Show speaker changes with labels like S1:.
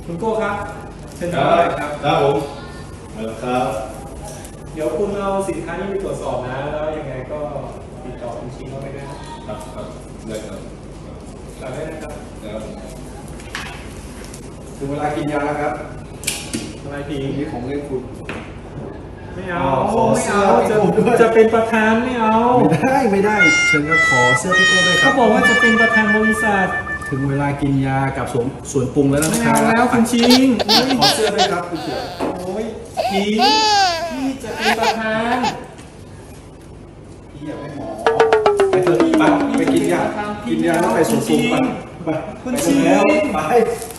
S1: คุณโก้ครับเชิญ
S2: ครั
S1: ทำอะไร
S2: บ
S1: ครับ
S2: ครับผมครับ
S1: เดี๋ยวคุณเอาสินค้านี้ไปตรวจสอบนะแล้วยังไงก็ติดต่อคุณชิงเขาไปด้วยนะครับ
S2: ครับได้ครับ
S1: ฝากด้วยนะครับ
S2: ครับ
S3: ถึงเวลากินยาแล้วครับ
S1: อะไรผี
S3: นี่ของเล่นคุณ
S1: ไม่เอา
S3: ขอ
S1: ไม่
S3: เสื้
S1: เอา
S3: อ
S1: จะ
S3: ให้ผมด้วย
S1: จะเป็นประธานไม่เอา
S3: ไม่ได้เชิญครับขอเสื้อพี่โก้ด้วยครั
S1: เขา
S3: บ
S1: บอกว่าจะเป็นประธานบริษัท
S3: ถึงเวลากินยากับส่วนปรุงแล้วนะ
S1: ไม่
S3: ครั
S1: เอา
S3: บ
S1: แล้วคุณชิง
S3: ขอเสื้อด้วยครับคุณเสือ
S1: โอ้ยผีพี่จะเป็นประธาน
S3: พี่อยากให้หมอไปเถอะไปกินยากินยาแล้วไปส่วนปรุงไป
S1: คุณ
S3: ไป
S1: ชิง
S3: แล้วไป